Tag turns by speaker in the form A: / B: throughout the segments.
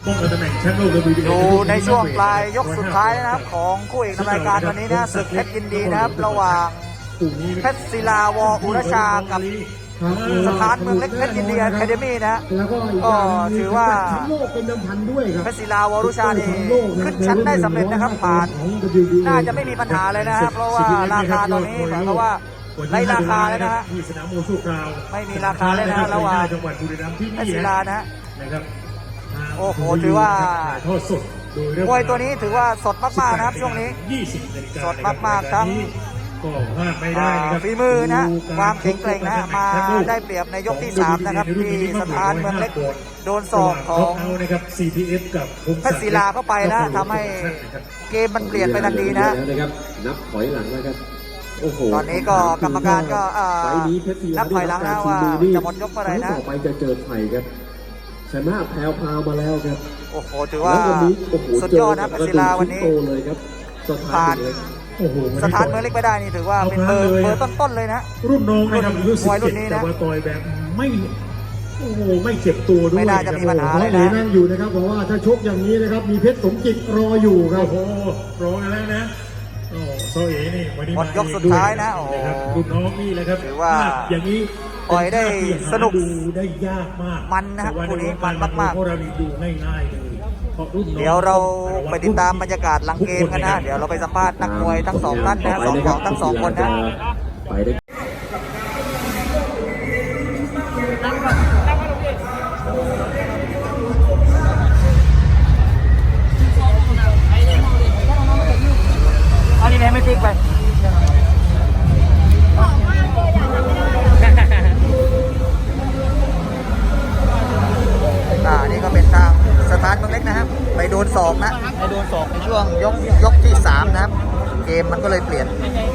A: อยู่ในช่วงปลายยกสุดท้ายนะครับของคู่เอกในรายการวันนี้นะศึกเพชรยินดีนะครับระหว่างเพชรศิลาวออุรชากับสถานเมืองเล็กเพชรยินดีอะคาเดมี่นะก็ถือว่าเพชรศิลาวออุรชานี่ขึ้นชั้นได้สำเร็จนะครับผ่านน่าจะไม่มีปัญหาเลยนะครับเพราะว่าราคาตอนนี้หมายความว่าไร้ราคาแล้วนะฮะไม่มีราคาเลยนะระหว่างเพชรศิลานะโอ้โหถือว่ามวยตัวนี้ถือว่าสดมากๆนะครับช่วงนี้สดมากๆทั้งฝีมือนะความแข็งแกร่งนะมาได้เปรียบในยกที่3นะครับที่สถานเมืองเล็กโดนศอกของเพชรศิลาเข้าไปนะทำให้เกมมันเปลี่ยนไปทันทีนะ
B: นับถอยหลังแล้วครับ
A: ตอนนี้ก็กรรมการก็นับถอยหลังนะว่าจะหมดยกเมื่อไหร่นะ
B: ต่อไปจะเจอไทยครับชนะแพรวมาแล้วครับ
A: โอ้โหถือว่าสุดยอดนะเพชรศิลาวันนี้ผ่านสถานเมืองเล็กไปได้นี่ถือว่าเป็นเบอร์ต้นๆเลยนะ
C: รุ่นน้องนะครับ
A: มวยรุ่นนี้นะ
C: แต่ว่าต่อยแบบไม่เจ็บตัวด้วย
A: ไม่น่าจะมีปัญหาเลยนะ
D: นั่งอยู่นะครับเพราะว่าถ้าชกอย่างนี้นะครับมีเพชรสมจิตรออยู่ครับ
C: โอ้โหรอแล้วนะโซเอ๋นี่วันนี้
A: หมดยกสุดท้ายนะโอ้
C: รุ่นน้องนี่แหละครับ
A: ถือว่า
C: อย่างนี้
A: ต่อยได้สนุก
C: ดูได้ยากมาก
A: มันนะคู่นี้มันมาก
C: ๆเพราะเราดูง่ายๆเลย
A: เดี๋ยวเราไปติดตามบรรยากาศหลังเกมกันนะเดี๋ยวเราไปสัมภาษณ์นักมวยทั้ง2ท่านนะทั้งสองคนนะอันนี้ไม่ติ๊กไปนี่ก็เป็นทางสถานเมืองเล็กนะครับไปโดนศอกนะไปโดนศอกในช่วงยกที่3นะครับเกมมันก็เลยเปลี่ยน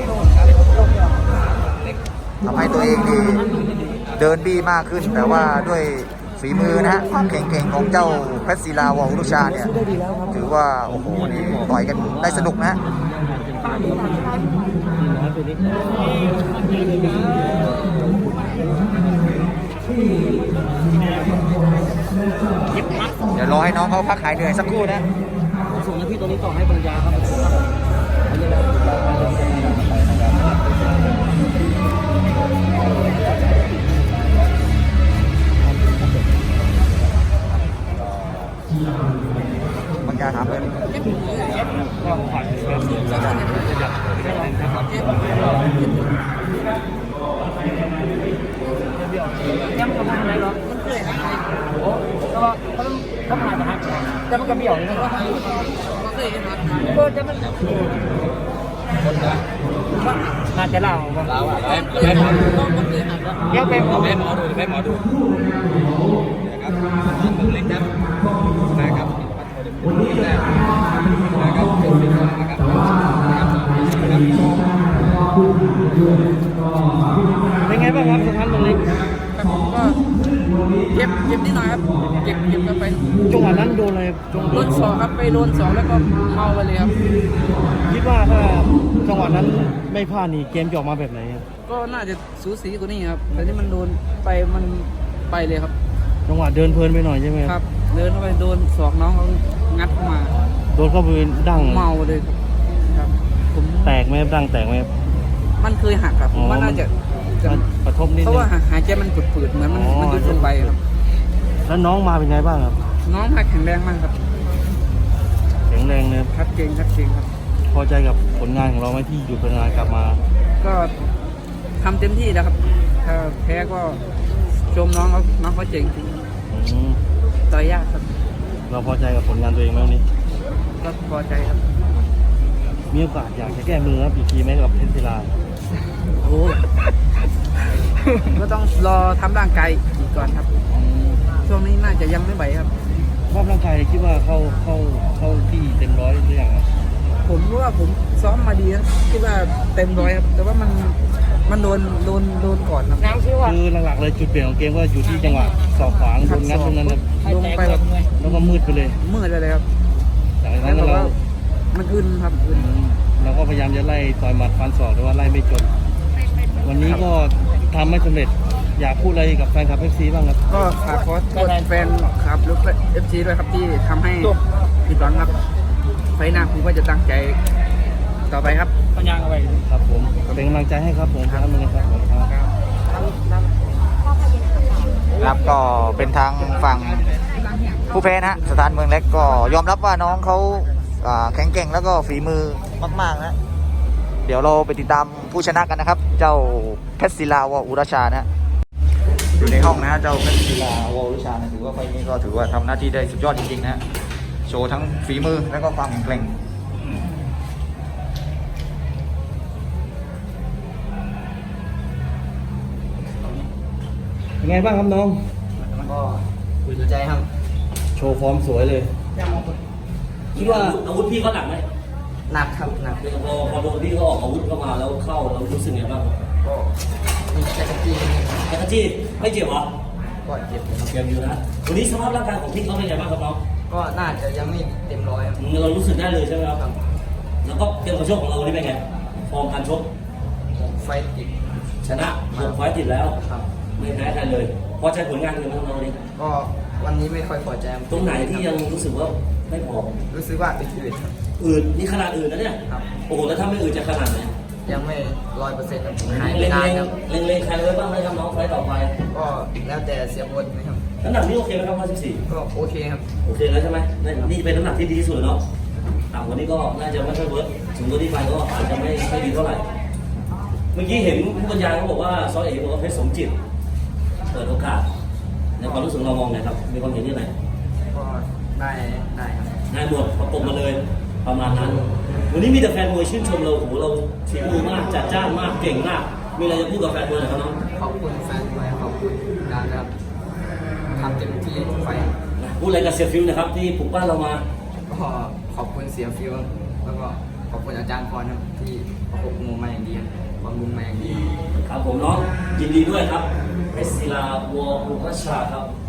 A: ทำให้ตัวเองดีเดินบี้มากขึ้นแต่ว่าด้วยฝีมือนะฮะความเก่งๆของเจ้าเพชรศิลาวออุรชาเนี่ยถือว่าโอ้โหนี่ต่อยกันได้สนุกนะเดี๋ยวรอให้น้องเขาพักหายเหนื่อยสักครู่นะส่งหน้าที่ตัวนี้ต่อให้ปัญญาครับปัญญาถามเลยยังทำอะไรหรอโอ้เขามาจากจะมันกระเบี่ยวเลยนะเปิดจะมันน่าจะเล่าเดี๋ยวไปหมอดูนะครับเล็กนะนะครับเป็นไงบ้างครับสถานเมืองเล็ก
E: ก็เจ็บนิดหน่อยครับเจ็บกันไป
D: จังหวะนั้นโดนอะไร
E: โดน2ครับไปโดน2แล้วก็เมาไปเลยครับ
D: คิดว่าถ้าจังหวะนั้นไม่พลาดนี่เกมจะออกมาแบบไหน
E: ก็น่าจะสูสีกว่านี้ครับแต่ที่มันโดนไปมันไปเลยครับ
D: จังหวะเดินเพลินไปหน่อยใช่ไหม
E: ครับเดินเข้าไปโดน2น้องเขางัดเข้ามา
D: โดนเข้าไปดั้ง
E: เมาเลยครับผม
D: แตกไหมดั้งแตกไหม
E: มันเคยหักครับผมว่าน่าจะ
D: กระทบนิดนึง
E: เพราะว่าหายใจมันฝืดๆเหมือนมันยุบลงไปครับ
D: แล้วน้องมาเป็นไงบ้างครับ
E: น้องมาแข็งแรงมากครับ
D: แข็งแรงเลย
E: ชัดเจนครับ
D: พอใจกับผลงานของเราไหมที่อยู่เป็นงานกลับมา
E: ก็ทำเต็มที่แล้วครับถ้าแพ้ก็ชมน้องเขาเจ๋งจริงต่อยยากครับ
D: เราพอใจกับผลงานตัวเองไหมวันนี้
E: ก็พอใจครับ
D: มีโอกาสอยากจะแก้มือครับอีกทีไหมกับเพชรศิลา
E: โอ้ก็ต้องรอทำร่างกายอีกก่อนครับช่วงนี้น่าจะยังไม่ไหวครับ
D: รอบร่างกายคิดว่าเข้าที่เต็มร้อยหรือยัง
E: ผมรู้ว่าผมซ้อมมาดีนะคิดว่าเต็มร้อยครับแต่ว่ามันโดนก่อนครับ
D: คือหลักๆเลยจุดเปลี่ยนของเกมก็อยู่ที่จังหวะสอบขวางโดนงัดตรงนั้น
E: ลงไปแบบ
D: แล้วก็มืดไปเลย
E: ครับ
D: จากนั้นเรา
E: มันอึนครับ
D: เราก็พยายามจะไล่ต่อยหมัดฟันศอกแต่ว่าไล่ไม่จนวันนี้ก็ทำไม่สำเร็จอยากพูดอะไรกับแฟนคลับ FC บ้างครับ
E: ก็ฝากขอโทษแฟนครับหรือเอฟซีด้วยครับที่ทำให้ผิดหวังครับไฟหน้าผมก็จะตั้งใจต่อไปครับปัญญาเอาไว้
D: ครับผมเป็นกำลังใจให้ครับผมครับมึงครับผมครับ
A: ครับก็เป็นทางฝั่งผู้แพ้นะฮะสถานเมืองเล็กก็ยอมรับว่าน้องเขาแข็งแกร่งแล้วก็ฝีมือมากๆนะเดี๋ยวเราไปติดตามผู้ชนะกันนะครับ เจ้าเพชรศิลาวอุรชานะฮะอยู่ในห้องนะฮะเจ้าเพชรศิลาวอุรชานะถือว่าไฟล์นี้ก็ถือว่าทำหน้าที่ได้สุดยอดจริงๆนะฮะโชว์ทั้งฝีมือแล้วก็ความแข็งแกร่ง
D: เป็นไงบ้างครับน้อง
E: ก็ดีใจครับ
D: โชว์ฟอร์มสวยเลย
F: คิดว่าอาวุธพี่เขาหนักไหม
E: หนักครับหนัก
F: พอโดนพี่เขาออกอาวุธเข้ามาแล้วเข้าเรารู้สึกไงบ้าง
E: ก็มีแค่ตะกี้
F: แอคจี้ไม่เจ็บเหรอ
E: ก็เจ็บครับ
F: เจ็บอยู่นะวันนี้สภาพร่างกายของพี่เขาเป็นไงบ้างครับน้อง
E: ก็น่าจะยังไม่เต็มร้อยครับ
F: เรารู้สึกได้เลยใช่ไหมครับ แล้วก็เกมการชกของเราวันนี้เป็นไงฟอร์มการชก
E: ไฟติด
F: ชนะ6 ไฟต์ติดแล้ว
E: ครับ
F: ไม่แพ้ใครเลยพอใจผลงานของเราวันนี้
E: ก็วันนี้ไม่ค่อยพอใจครับ
F: ตรงไหนที่ยังรู้สึกว่าไม่พอ
E: รู้สึกว่าอืดๆครับ
F: อืดนี่ขนาดอื่นนะเนี่ย
E: ครับ
F: โอ้โหแล้วถ้าไม่อืดจะขนาดไหน
E: ยังไม่100%ครับหายไป
F: เล็ง
E: นานครับ
F: ๆเล็งๆใครไว้บ้างไหมครับน้องไฟต์ต่อไป
E: ก็แล้วแต่เสียบทนะครับ
F: น้ำหนักนี่โอเคไหมครับ114
E: ก็โอเคครับ
F: โอเคแล้วใช่ไหมนี่เป็นน้ำหนักที่ดีที่สุดแล้วเนาะต่ำกว่านี้ก็น่าจะไม่ค่อยเวิร์กสูงกว่านี้ไปก็อาจจะไม่ดีเท่าไหร่ เมื่อกี้เห็นผู้บรรยายเขาบอกว่าซอเอกบอกว่าเพชรสมจิต เปิดโอกาส ในความรู้สึกเรามองไงครับ มีความเห็นยังไง
E: ก็ได้ครับ
F: นายหมดประกบมาเลยประมาณนั้น วันนี้มีแต่แฟนมวยชื่นชมเราโอ้โหเราฝีมือมากจัดจ้านมากเก่งมาก มีอะไรจะพูดกับแฟนมวยหน่อยครับน้อง
E: ขอบคุณแฟนมวยขอบคุณการครับทำเต็มที่ทุกไฟล์
F: พูดอะไรกับเสียฟิวนะครับที่ปลุกปั้นเรามา
E: ก็ขอบคุณเสียฟิวแล้วก็ขอบคุณอาจารย์พรครับที่ประกบมวยมาอย่างดีครับความรุนมาอย่างดี
F: ครับผมน้องยินดีด้วยครับเพชรศิลาวออุปชาครับ